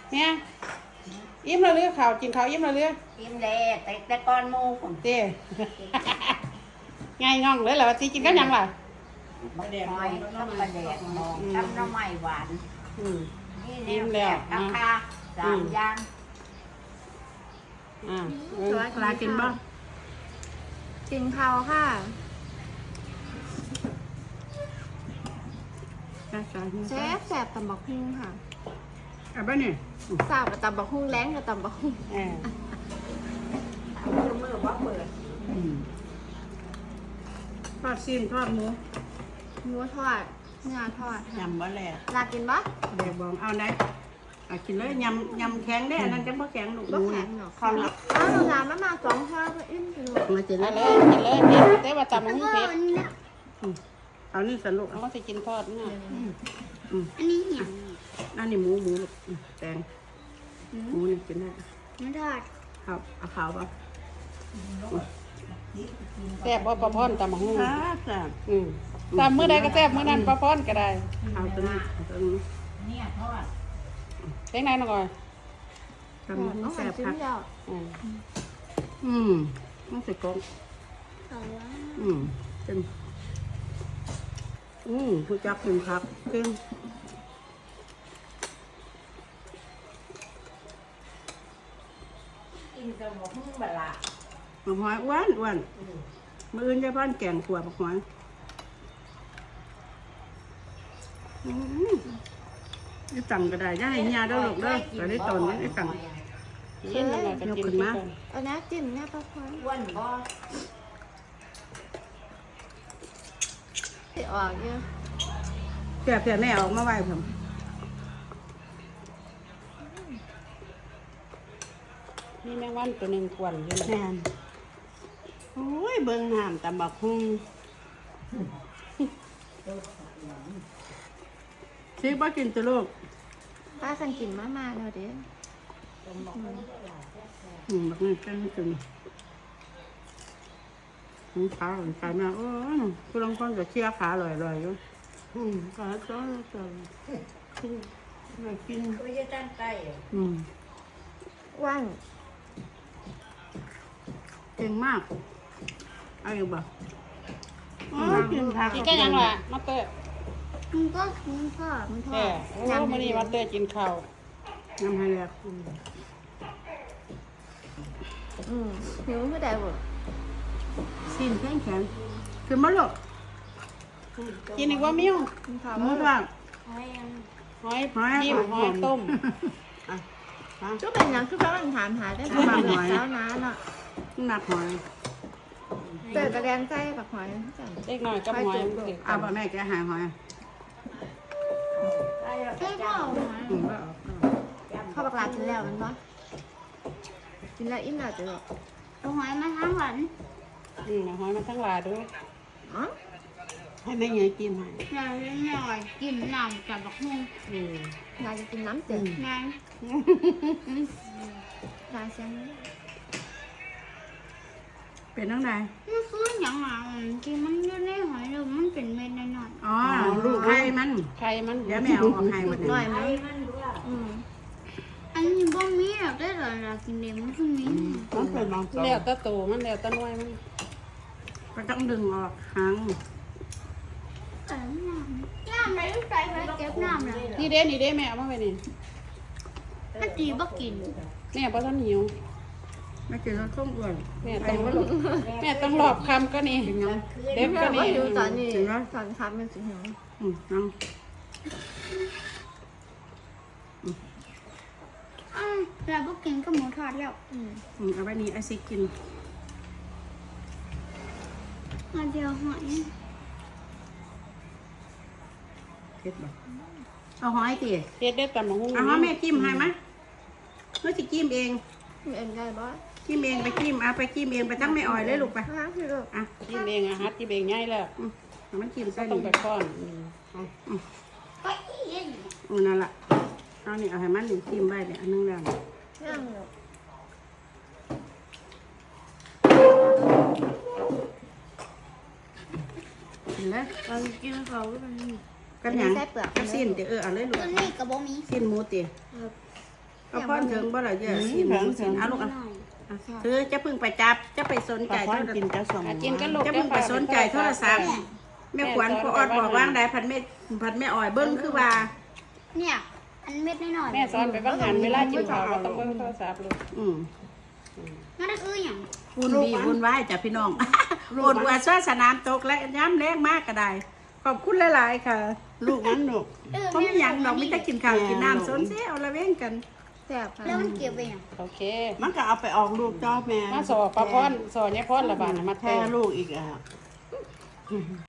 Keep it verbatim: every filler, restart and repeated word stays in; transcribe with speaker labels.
Speaker 1: เนี่ยอิ่มแล้วเรือข่าวกินข้าวอิ่มแล้วเรือ
Speaker 2: อิ่มแล้วแต่แต่ก้อนหมูผม
Speaker 1: เต้ ง่ายง่องเลยเหรอตีกินก็ยังล่ะ
Speaker 2: บักหอยกับปลาแดกมองกับหน้ำไม้หวาน
Speaker 1: อืม
Speaker 2: นี่
Speaker 1: อิ่
Speaker 2: แนว
Speaker 1: มแล้ว
Speaker 2: แซ่บราคาสามอย่าง
Speaker 1: อ่า
Speaker 3: สวัสดี
Speaker 1: ปลากินบ้าง
Speaker 3: กินข้าวค่ะ
Speaker 1: จ้าจ้า
Speaker 3: แซ่บแสบตำบักหุ่งค่ะ
Speaker 1: อ่ะบ้านนี่
Speaker 3: สาวกับตำบักหุ่งแรงกับตำบักหุ่ง
Speaker 1: เออ
Speaker 2: มือมือว่าเปิด
Speaker 1: อืมทอดซีนทอดหมู
Speaker 3: หมูทอดเนื้อทอดค่ะ
Speaker 1: ยำบ่แหละ
Speaker 3: ลากินปะ
Speaker 1: เดี๋ยวบอกเอาได้อ่ะกินเลยยำยำแข็งได้อันนั้นจะบ่แข็งลูก
Speaker 3: บ่แข็งหรอก
Speaker 1: ข้าวละ
Speaker 3: อ้าวงานมามาสองข้าวก็อิ่มไปเลย
Speaker 1: มากินเลยกินเลยกินแต่ว่าตำมันเผ็ดเอานี่สนุกเอาก็จะกินทอดเนี่ย
Speaker 3: อันนี้เหี่ย
Speaker 1: อันนี้หมูหมูลูกอืมแตงหมูนี่กินได้
Speaker 3: ไม่ทอด
Speaker 1: ครับเอาขาวป่ะแซ่บบ่ปลาพอนตำมะฮุ่งแซ่บอืมตำมื้อใดก็แซ่บมื้อนั้นปลาพอนก็ได้เอาตัวนี้เอาตัวนี้
Speaker 2: เนี่ยทอด
Speaker 1: เล็กน้อยหน่อย
Speaker 3: ทอ
Speaker 1: ตำมะ
Speaker 3: ด
Speaker 1: ฮุ่
Speaker 3: ต้อง
Speaker 1: งแซ่
Speaker 3: หั่น
Speaker 1: บ
Speaker 3: ชิ้
Speaker 1: คน รับ
Speaker 3: เดียว
Speaker 1: อืมอืมต้องใส่กล้อง
Speaker 3: เอาละ
Speaker 1: อืมเป็นอืมผู้จับเป็นครับเก่ง
Speaker 2: กินกับหมูหุ้งบะละ
Speaker 1: บักหอยอ้วนอ้วนมื้ออื่นจะพ่อนแกงขัวบักหอยอืมนี่สั่งก็ได้ย่าให้ยาเด้อลูกเด้อแต่ได้ตอนนี้ได้สั่ง
Speaker 3: กินเลย
Speaker 1: ยกขึ้นมา
Speaker 3: เอาน้ำจิ้มเนี่ยปลาพอน
Speaker 2: อ้วนบ่
Speaker 3: ที่ออกเยอะ
Speaker 1: เสียบเสียบแม่ออกมาไว้ผมนี่แมงวันตัวหนึ่งกวนอยู่แม่นโอ้ยเบิ่งน้ำตำบักหุ่งชิบ่กินตัวลูก
Speaker 3: ป้ากันกินมามาแล้วเด้
Speaker 1: อืมบักนี่เป็นจนอืมขาหลังใจแม่โอ้ยคุณลองคนจะเชี่ยขาลอยๆอยู่อืมขาจ้อยจ้อยไม่กิน
Speaker 2: ก็จะตั้งใจ
Speaker 1: อืม
Speaker 3: ว่าง
Speaker 1: เก่งมากเอาอยู่บ่อ๋อกินผัก
Speaker 4: กินก็ยังล่ะมาเตอร์
Speaker 3: มันก็มันก็มันทอ
Speaker 4: แก่
Speaker 3: ด
Speaker 4: โอ้มื้อนี้มาเตอร์กินข้าว
Speaker 1: น้ำให้แล้ว
Speaker 3: อืมหิวคือได้บ่
Speaker 1: สิ้นแข็งแข็งคือมะลูก
Speaker 4: กินอีกว่ามิ้ว
Speaker 3: กินข้าว
Speaker 1: หมู
Speaker 3: บ่
Speaker 1: ทอด
Speaker 4: หอย
Speaker 1: หอย
Speaker 4: จิ้มหอยต้ม
Speaker 1: อ่ะฮะ
Speaker 3: ก็เป็นอย่างคือเขาถามหาได้ประมาณเช้าน้าเนาะ
Speaker 1: หนักหอย
Speaker 3: เจอกระแดงใจปักหอยจัง
Speaker 4: เล็กน้อยกับหอยมันสิ
Speaker 1: เอาบ่แม่แกหาหอย
Speaker 2: ได้แล้ว
Speaker 3: ใช่
Speaker 2: จ้า
Speaker 3: เปล่า
Speaker 1: อืมว่าเอา
Speaker 3: ข้าวบักลากินแล้วมันบ่กินแล้วอิ่มแล้วจ้ะ
Speaker 5: เอาหอยมาทั้งหลัน
Speaker 4: อืมเอาหอยมาทั้งหลายด้วย
Speaker 3: อ๋อ
Speaker 1: ให้แม่ยายกินให้
Speaker 5: หน่อยหน่อยกินน้ำกับบักฮุ่ง
Speaker 4: อืม
Speaker 3: ยายจะกินน้ำเจ็ด
Speaker 5: นาย
Speaker 3: ยายเสียง
Speaker 1: เป็นตั้งใด
Speaker 5: มันคืออย่างอ่ะที่มันอยู่ในหอยแล้วมันเป็นเม็ดน้อย
Speaker 1: อ๋อลูกไข่มัน
Speaker 4: ไข่มัน
Speaker 1: เดี๋ยวแม่เอาออกให้หมด
Speaker 3: หน่
Speaker 1: เล
Speaker 3: อย
Speaker 1: ย
Speaker 3: ไหม
Speaker 2: มันด้วย
Speaker 3: อืม
Speaker 5: ๆอันนี้บ่มีหรอกได้หรอเรากินเด็มันคือมี
Speaker 1: มันเป็นบางตัว
Speaker 4: แล้วแตะโตมันแล้วแตะน้อยมัน
Speaker 1: ก็ต้องดึงออกหาง
Speaker 5: แต่น้ำน้ำอะไรลูกใจไปเก็บน้ำเลย
Speaker 4: นี่เด้นี่เด้แม่เอามาไว้นี่
Speaker 5: ถ้าตีบ่กิน
Speaker 4: แม่บ่ทันหิว
Speaker 1: ไม่กินแล้วต้องอ้วน
Speaker 4: แม่ต้องแม่ต้องรอบคำก็นี่
Speaker 1: กินยัง
Speaker 4: เด็บก็
Speaker 3: ว่า
Speaker 4: นี่
Speaker 3: หิวตอนนี้ตอนครับมันสิหิว
Speaker 1: อืมยัง
Speaker 5: อ้าวเราบ่กินก็หมูทอดแล้ว
Speaker 3: อืม
Speaker 1: อืมเอาไว้นี่ไอซิกิน
Speaker 5: อันเดียวหอย
Speaker 1: เผ็ดบ่เอาหอยตี
Speaker 4: เฮ็ดได้ตำบักหุ่ง
Speaker 1: เอาหอยแม่จิ้มให้มะเมื่อจะจิ้มเอง
Speaker 3: มีเอ็นได้บ่
Speaker 1: จิ้มเองไปจิ้มเอาไปจิ้มเองไปทั้งไม่อ่อยเลยลูกไป
Speaker 3: ฮะคือลูก
Speaker 1: อ่ะ
Speaker 4: กินเองอะฮัดกินเองง่ายแล้ว
Speaker 1: อืมเอามันจิ้ม
Speaker 4: ก็
Speaker 1: ใส่
Speaker 4: ต้อง
Speaker 1: นี่
Speaker 4: ไปป้อนอืม
Speaker 5: ก็อีก
Speaker 1: อืมนั่นแหละเอานี่เอาให้มันนี่จิ้มไว้เนี่ยอันนึงแล้ว
Speaker 3: ย่างลูก
Speaker 1: กินเลย
Speaker 5: เรากินเขาก็เป็น
Speaker 1: กันหยังกันสิ้นเดี๋ยวเออเอาเลยลูก
Speaker 5: ตัวนี้ก็บ่มี
Speaker 1: สิ้นหมูตี
Speaker 3: เ
Speaker 1: ก็พ่อถึงบ่ล่ะเจ้าสินสินเอาลูกอ่ะเธอจะพึ่งไปจับจะไปสนใจ
Speaker 2: พ่อ
Speaker 1: โทร
Speaker 2: กินจะสม
Speaker 4: อ่ะกินก็ลูก
Speaker 1: จะพึ่งไปสนใจโทรศัพท์แม่ขวัญพ่อออดบอกว่างใดพันแม่พันแม่อ่อยเบิ้งคือว่า
Speaker 5: เนี่ยอันเม็ดน้อยๆ
Speaker 4: แม่สอนไปบ้างหันเวลากินข้าวก็ต้องเบิ่งโทรศัพท์ลูก
Speaker 1: อืม
Speaker 5: นั่นคืออย่าง
Speaker 1: วุ่นวี่วุ่นวายจ้ะพี่น้องโอดวัวซ่าสนามตกและย้ำแรงมากก็ได้ขอบคุณหลายๆค่ะ
Speaker 2: ลูกนั้นลูก
Speaker 1: ผมมีหยังดอกมีแต่กินข้าวกินน้ำสนเสียเอาละเว้นกัน
Speaker 3: แซ่บค่ะ
Speaker 5: แล้วมันเก็บไปอย่าง
Speaker 4: โอเค
Speaker 2: มันก็เอาไปออกลูกจ้อแม่
Speaker 4: มาสอบปลาพรสอนยายพรละบาดน่ะมา
Speaker 2: แท้
Speaker 4: แท้
Speaker 2: ลูกอีกอ่ะ